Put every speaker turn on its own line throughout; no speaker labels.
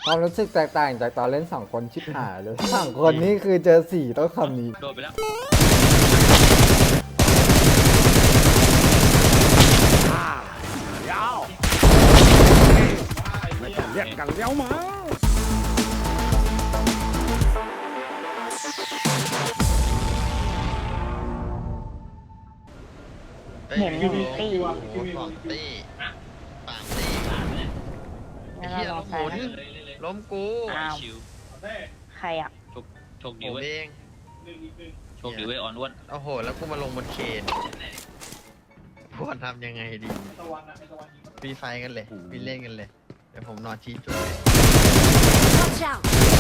ความรู้สึกแตกต่างจากตอนเล่น2 คนชิบหายเลย2 คนนี่คือเจอ4ต้องคำนี้
โดนไปแล้ว
เรียกกันเลี้ยวมา
เห็นหนึ่งตี
สองตีสามตีไอ้
งั้น
เหี้ย
เราล
ล้
อง
มห
ใส่
มุน
นะ
ล้มกู
อ้าว
ชิว
ใครอ่ะ
โชค
ผ
ดี
ม
เว้ย
เอง
โชคดีเว้ยอ่อนอ้วน
โอ้โหแล้วกูมาลงบนเคนพวกทำยังไงดีฟรีไฟกันเลยฟรีเล่นกันเลยเดี๋ยวผมนอนชี้จุดเลย
Watch out!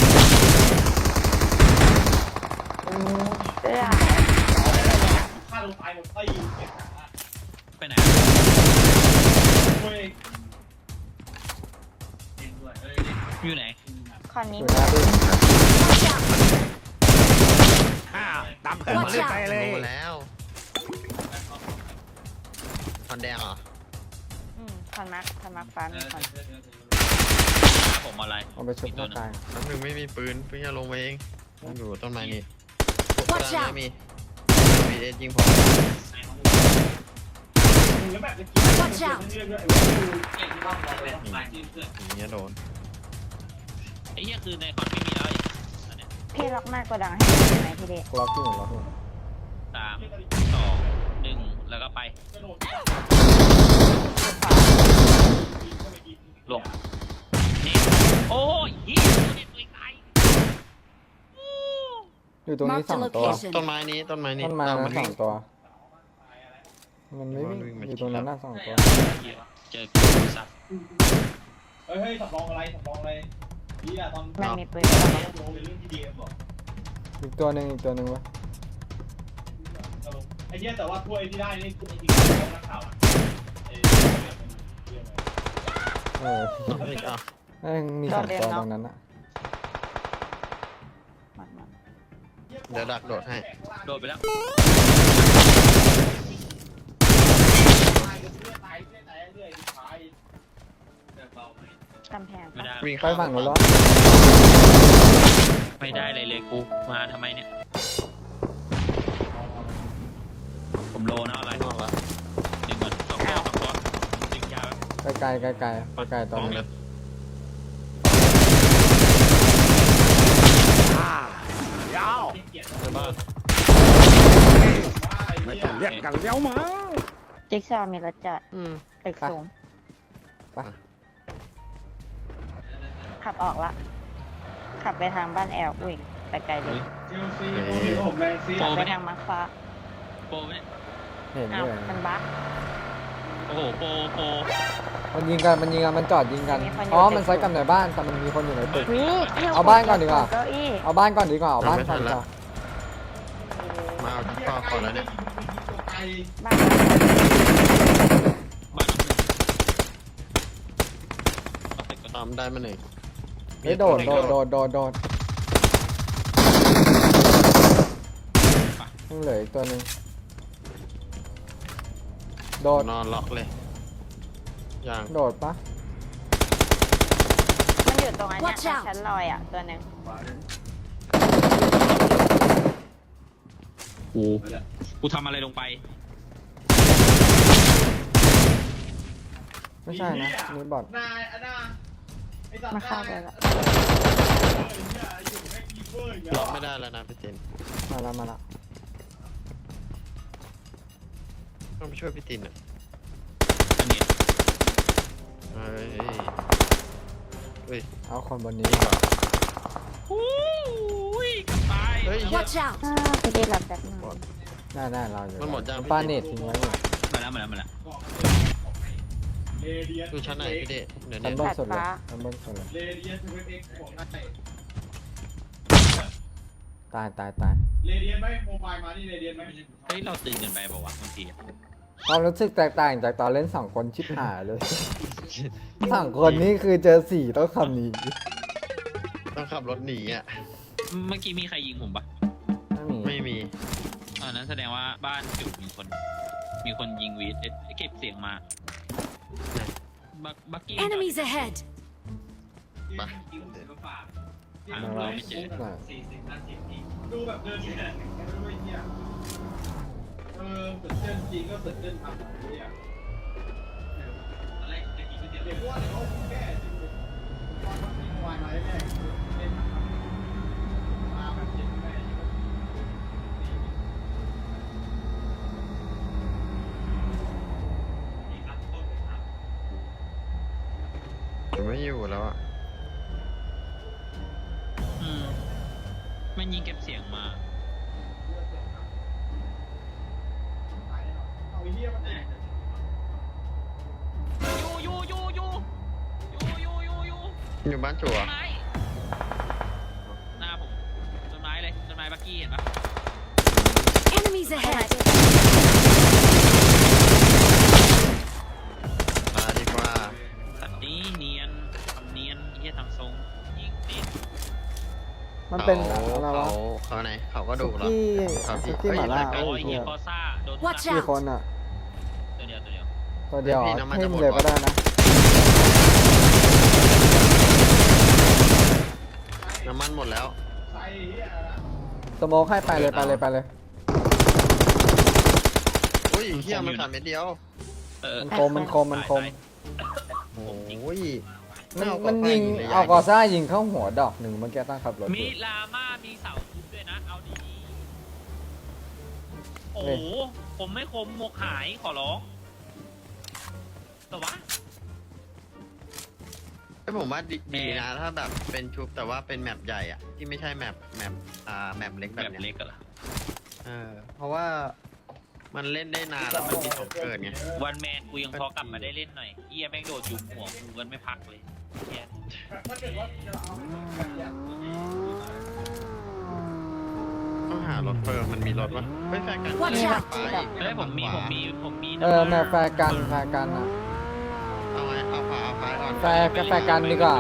เสื้อ
ไปไหนอยู่ไหน
คอนนี้
อยู่หน้าพี่
Watch out!
ตามเพื่อนมาเล่นไปเลย
ลงมาแล้วตอนแดงเหรอ
คอนมาร์คฟ้ามีคอน
ผมอะไร
เอาไปชุบหน้ากาย
น้ำหนึ่งไม่มีปืนเพิ่งจะลงมาเองผมอยู่ต้นไม้นี่
Watch out
ไม่มีเอยิงผม
Watch out!
อย่างเงี้ยโดน
ไอ้เหี้ยคือในคอนไม่มีแล้วอันเนี้ย
พี่ล็อกหน้ากระดังให้ดูไหมพี่เดช
ล็อกที่หนึ่งล็อกที่
3 2 1แล้วก็ไปลงนี่โอ้ยเหี้ยเด็ดตัวไกล
อยู่ตรงนี้
Mark the
2 ตัว
location
ต้นไม้นี้ต้นไม้นี้
ต้นไม้
อ้าว
นั้น
วิ่ง
2 ตัว มันไม่วิ่ง
มันวิ่งมา
อยู่ตรงนั้นน่ะ2 ตัว
เจอกูสัตว์
เฮ้ยสำรองอะไรนี่อะตอน
มันมีปืนกระบอก
ลงในเรื่องที่ดีเอ็มบอก
อีกตัวหนึ่งวะ
ไอ้เนี้ยแต่ว่าถ้วยที่ได้นี่คือจริงๆของนักข่าวอะ
เออ
เฮ้ยอ้าว
แม่งมี2 ตัวตรงนั้นอ่ะ
มัน
เดี๋ยวดักโดดให้
โดนไปแล้ว
กำแพง
ไม่ได้
วิ่ง
ไป
เข้า
ฝั่งนู้นแล้ว
ไม่ได้เลยกูมาทำไมเนี่ยผมโลนะอะไร
นอกละ
หนึ่งก่อน2 ตัวดึงยาว
ไกลๆตอน
มอง
นี้
เลย
ยาว
ในบ้าน
ไม่ต้องเรียกกันเลี้ยวมา
จิ๊กซอว์มีรถจอดตึกสูง
ไป
ขับออกละ ขับไปทางบ้านแอลอุ้ยไปไกลเลย
เชลซีโอ้โหแมนซี
ขับไปทางมาร์คฟ้า
โปรเนี่ย
เห็น
อ้า
ด้
ว
วย
มันบั๊ก
โอ้โหโปร
มันยิงกันมันจอดยิงกัน
มีคนอยู่
อ๋อ
ตึก
มันไซส์กันในบ้านแต่มันมีคนอยู่ในตึก
วิ
เอาบ้านก่อนดีกว่า
เก้าอี้
เอาบ้านก่อนดีกว่าเอาบ้านก่อนดีกว่า
มาเอาที่คอก่อนแล้วเนี่ย
บ้าน
บ้านเอาตึกก่อน
ตามได้มาหนึ่ง
เฮ้ยโดดยังเหลืออีกตัวหนึ่งโดด
นอนล็อกเลยอย่าง
โดดปะ
มันอยู่ตรงอันเนี้ย
Watch out
ชั้นลอยอ่ะตัวหนึ่ง
กูทำอะไรลงไป
ไม่ใช่นะนี่บอท
นายอันน่าไอ้สัตว์
มาเข้าไปละ
อยู่ให้คีเปอร์อย่างเงี้
ล็อกไม่ได้แล้วนะพี่เจน
มาละ
ต้องไปช่วยพี่ตินอ่ะ
อันเนี้ย
เฮ้ยเฮ้ย
เอาคนบนนี้
นี่ก่อน
อุ้ยกลับไป
เฮ้ย
Watch out!
พี่ได้รับแป๊บนึง
ได้เราอยู่
มันหมดยัง
ป้าเน็ตทิ้งไว้อยู่
มาแล้ว
เรเดียน
ดูชั้นไหนพี่เดชเดี๋ยว
ชั้
นี้
นบนสุดเลยชั้นบนสุดเลย
เรเดียนทูเอ็กซ์ของไทย
ตาย
เรเดียนไหมโมบายมานี่เรเดียนไหม
เฮ้ยเราตื่นกันไปบอกว่าวะบางทีอะ
ความรู้สึกแตกต่างจากตอนเล่น2 คนชิบหายเลย2 คนนี่คือเจอ4ต้องคำนี้
ต้องขับรถหนีอ่ะ
เมื่อกี้มีใครยิงผมปะ
ไม่มี
ไม่มี
อันนั้นแสดงว่าบ้านจุดมีคนยิงวีดเก็บเสียงมาบักกี้
Enemies ahead!
ที่
ไป
หาเราไม่เจอ
น่ะ
ดูแบบเดินที่ไหนไม่รู้ไอ้เหี้ยตื่นเต้นจริงก็ตื่นเต้นทำแบบนี้อ่ะอะไรจะกินก๋วยเตี๋ยวเดี๋ยวว่าเดี๋ยวเขาแก้จริงๆว่ามีวายมาแน่ๆเล่นมาแบบเจ็บแม่
ผมไม่อยู่แล้วอะ
มันยิงเก็บเสียงมา
เอาไอ้เหี้ยมันแตก
อยู่บ้านจั่ว
ต้นไม้หน้าผมต้นไม้เลยต้นไม้บักกี้เห็นปะ
Enemies ahead!
มาดีกว่า
ตัดนี้เนียนทำเนียนเฮียทำทรงยิงติด
มันเป็น
เขา
อะไรวะ
เขาไหนเขาก็ดูเหรอ
ที่
ครับพี่
ที่หมาล่า
เอ้
โอ้
ย
ยเฮียกอซ่าโดน
Watch
กี่
out
คนอ่ะ
ตัวเดียวตัวเดียว
ตัวเดียว
พี่น้ำมัน
เพิ่
จะ
ม
หมด
เลยก็
วะ
ได้นะ
น้ำมันหมดแล้ว
ใส่เหี้ยนะ
สโมกให้ไปเลยไปเลยไปเลย
อุ้ยเฮียมันขาดเม็ดเดียว
มันคมมันคมมันคม
โอ้ย
มันยิงเอากอซ่ายิงเข้าหัวดอกหนึ่งเมื่อกี้ตั้งขับรถอ
มี
ยู่
ลาม่ามีเสาทุบด้วยนะเอาดีๆโอ้
เฮ้
โห
ย
ผมไม่คมหมวกหายขอร้องแต่ว่า
ไอ้ผมว่าดีนะถ้าแบบเป็นชุบแต่ว่าเป็นแมปใหญ่อะที่ไม่ใช่แมปเล็ก
แบ
แบบ
บ
เนี้
เล็
ย
กกันละ
เพราะว่ามันเล่นได้นานแล้วมันมีของเกิดไง
วันแมนกูยังพอกลับมาได้เล่นหน่อยเฮียแม่งโดดยุมหัวกูกันไม่พักเลยเฮีย
ถ้าเกิดว่าจะเอาแบบเนี้ย
ต้องหารถเฟิร์มมันมีรถวะเฮ้ยแฟร์กัน
Watch out
ไปอีก
เฮ้ยผมมี
แม่แฟร์กันแฟร์กันอ่ะ
เอาไงเอาขวาเอาซ้ายก่อน
แฟร์กับแฟร์กันดีกว่า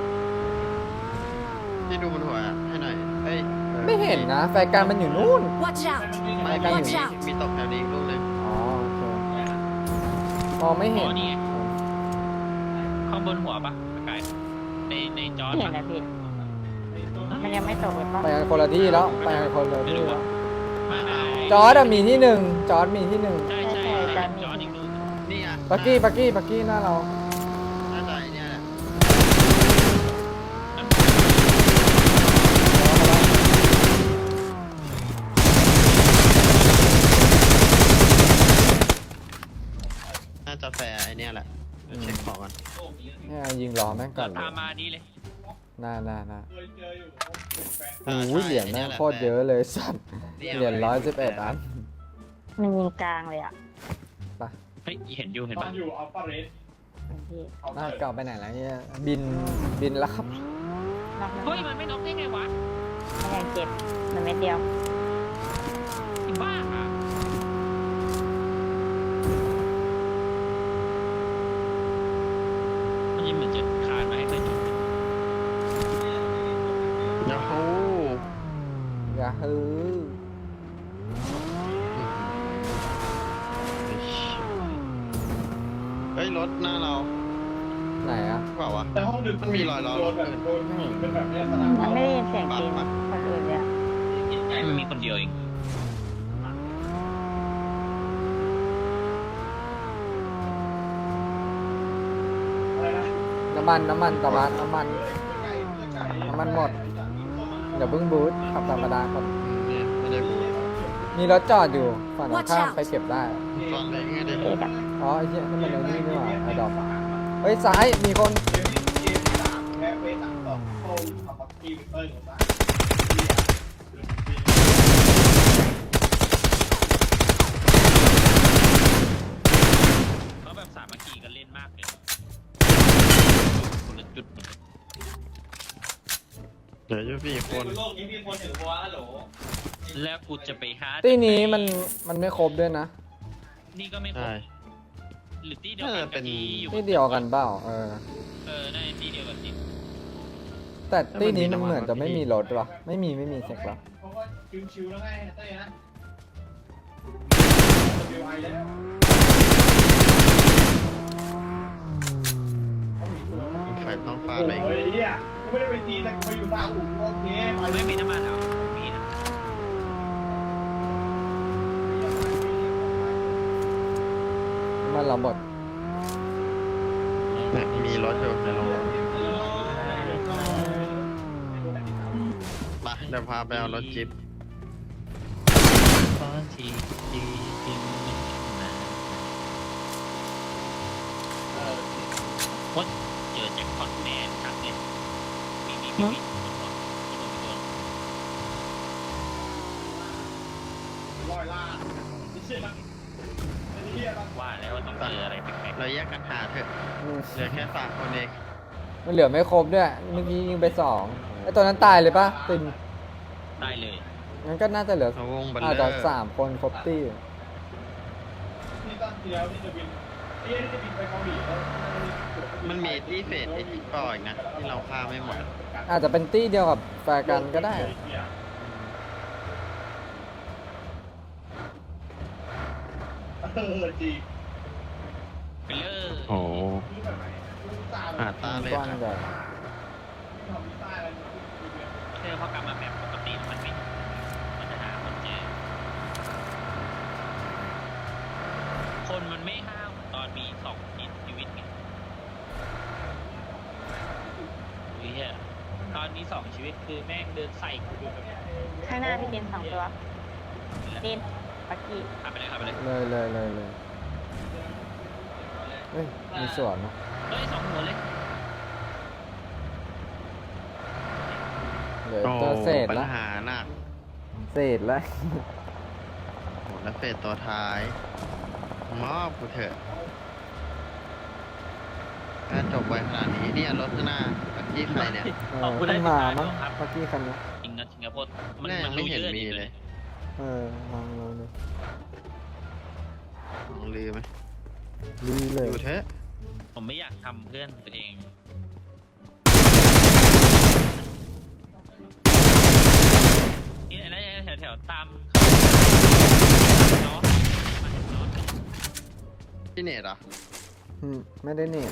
ที่ดูบนหัวให้หน่อยเฮ้ย
ไม่เห็นนะแฟร์กันมันอยู่นู่น
Watch out!
ไม่
Watch
มี
out!
มีตกแถวนี้อีกลูกหนึง
อ๋อโอเคมองไม่
อ๋
เห็
อน นี่ไงข้างบนหัวปะไกลในจอ
เห็นนะพี่มันยังไม่ตกเลยป่ะ
ไปกันคนละที่แล้วไปกันคนละที่แล้ว
ไม่
จอร์ดอะมีที่หนึ่งจอร์ดมีที่หนึ่ง
ใช่จออีกลูก
นี่อ่ะ
ปักกี้หน้าเรา
น่าจะไอ้เนี่ยแหละน่าจะแฟร์ไอ้เนี่ยแหละเดี๋ยวเช็คของกัน
เนี่ยยิงล้อแม่งก่
ก็
อนเลย
ตามมานี้เลย
หน้า
เคยเจออยู่เป็นแฟน
โอ้ยเหรียญแม่งโคตรเยอะเลยสัตว์เหรียญ111 อัน
มันยิงกลางเลยอ่ะ
เฮ้ยเห็นอยู่เห็น
ตอ
ปะ
นอยู่อัลฟาเรส
พี่
หน้าเก่าไปไหนแล้วเนี่ยบินแล้วครับ
นอกนั้น
เฮ้ยมันไม่น็อกได้ไงวะ
มันยังเจ็บมันเม็ดเดียว
ไอ้บ้าอ่ะมันยังเหมือนจะคานมาให้เพื่อนยิง
ยาฮู
อย่าฮือ
เฮ้ยรถหน้าเรา
ไหนอะ
เปล่าวะ
แต่ห้องดึก
มันมีรอยล้อ
โดนแบบโดนยิงเป็นแบบเนี้ยสนาม
มันไม่ได้ยินเสียงจริงคนอื่นเลยอะ
มันมีคนเดียวเอง
อะไรนะ
น้ำมันตะวันน้ำมันหมดเดี๋ยวเพิ่งบูทขับธรรมดาก่อน
เนี่ยไม่ได้บูท
มีรถจอดอยู่ฝั่งตรงข้ามไปเก็บได้
ตอนไหนไงได้
เอ็ดอะ
อ๋อไอ้เหี้ยนั่นมันไอ้นี่นี่หว่าไอ้ดอกเฮ้ยซ้ายมีคน
เกมที่สามแพ้ไป3-2โค้งขับบักกี้วิกเตอร์ของบ้าน
เขาแบบสามัคคีกันเล่นมากเลยคนละจุด
เดี๋ยวอยู่4 คน
โลกนี้มีคนถือหัวฮัลโหล
แล้วกูจะไปหา
ที่นี้มันไม่ครบด้วยนะ
นี่ก็ไม่ครบ
ใช่
หรือที่เดียวกันกับที่อยู่
ที่เดียวกันเปล่า
น่าจะที่เดียวกันจริง
แต่ที่นี้มันเหมือนจะไม่มีรถว่ะไม่มีเช็คว่ะ
เพราะว่าชิวๆแล้วไงเต้ยนะวิวไอแล้ว
เฟไปต้องฟาด
โอ้
ไป
ยไอ้เนี่ยกูไม่ได้ไปตีแต่กูไปอยู่ตาอุ่นโอเคไป
ไม่มีน้ำมันเหรอมีนะ
มันเราหมด
เนี่ยมีรถอยู่ในโรงรถมาเดี๋ยวพาไปเอารถจิ๊บ
ตอนที่ที่มาวัดเจอแจ็คพอตแมนครับเนี่ยมีคนบอกที่ผมไปโดน
ร้อยล้านไอ้เชี่ยมันไอ้เหี้ยมัน
ว่าแล้วว่าต้องเจออะไรแปลก
เราแยกกันหาเถอะ
อืม
เหลือแค่3คนเอง
มันเหลือไม่ครบด้วย เมื่อกี้ยิงไป2ไอ้ตัวนั้นตายเลยปะติน
ๆได้เลย
งั้นก็น่าจะเหลือ
เราวงบัล
อาจ
เลอ
จะ
ร์
3 คนครบตี้
ที่ตอนที่แล้วที่จะบินไอ้เหี้ยที่จะบินไปเกาหลีแล้ว
มันมีที่เฟสไอ้ที่ก่ออีกนะที่เราฆ่าไม่หมด
อาจจะเป็นตี้เดียวกับแฟร์กันก็ได้
เออจริง
ไปเลย
โอ้
คือแบบไหนกูตาม
หาตาเลย
กว้าง
ครับ
ใหญ่
ทำที่ใต้อะไรเนี่ย
เธอพอกลับมาแบบปกติมันไม่มันจะหาคนเจอคนมันไม่ห้าวตอนมี2ชีวิตไงอุ้ยเหี้ยตอนมี2ชีวิตคือแม่งเดินใส่กูดูแบบ
ข้างหน้าพี่ติน2 ตัวตินปักกี้
ขับไปเลยขับไปเลย
เลยเฮ้ย มีสวนนะ
เฮ้ย2 หัวเลย
เหลือ
โอ้
ตัวเศษ
ปัญ
ละ
หาหนัก
เศษละ
โหแล้วเฟสตัวท้าย มอบกูเถอะถ้าจบไวขนาดนี้เนี่ยรถข้างหน้าปักกี้ใครเนี่ย
ขึ้นมามั้งเมื่อกี้คันนี้
จริงนะสิงคโปร์มัน
แน่ยังไม่เห็น
รู้ยอะ
มี
ดี
เลย
ลองดู
ลองลืมไหม
ดีเลย
อยู่เถอะ
ผมไม่อยากทำเพื่อนตัวเองนี่อะไรแถวๆตามเนาะมาเห็นเนาะ
พี่เนตเหรอ
ไม่ได้เน็ต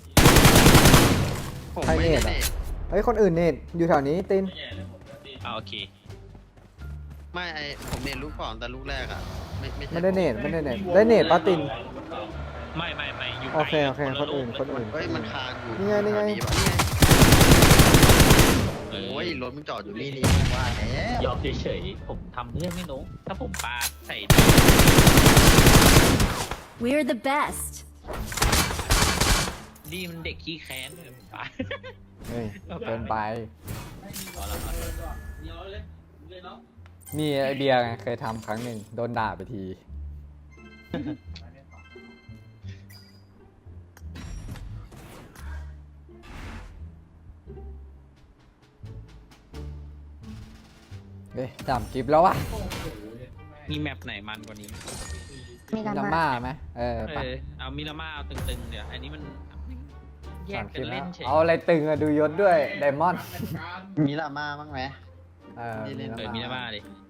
ผม
ใคร
ไม่
เน
ได้
ตอะ
เนต
เฮ้ย คนอื่นเน็ตอยู่แถวนี้ติน
โอเค
ไม่ผมเนตลูกก่อนแต่ลูกแรกอ่ะ ไม่ใช่
ไม่ได้เน็ตได้เน็ตป้าติน
ไม่อยู่
โอเค
ไกล
โอเค
ละ
คนอื่น
เฮ้ยมันคานอยู่
นี่ไง
แถวปะ
เออ
โอ้ยรถมันจอดอยู่นี่นี่ว่าแล้ว
ยอมเฉยๆผมทำเพื่อนไม่ลงถ้าผมปาใส่
We're the best.
ดีมันเด็กขี้แค้นเลยปา
เฮ้ยเกินไป
เอาละเอาละ
มีไอเบียร์ไงเคยทำครั้งหนึ่งโดนด่าไปที เฮ้ยจำคลิปแล้ววะ
มีแมปไหนมันกว่านี้
มีลา
ลา
มา
ม่าไหมไป
เอามิรามาเอาตึงๆเดี๋ยวอันนี้มันแยก
3
กันเล่นเฉย
เอาอะไรตึงอะดูยศด้วยไดมอนด์
มีลาม่าบ้างไหม
มี
นี่เล่น
มิรามาดิ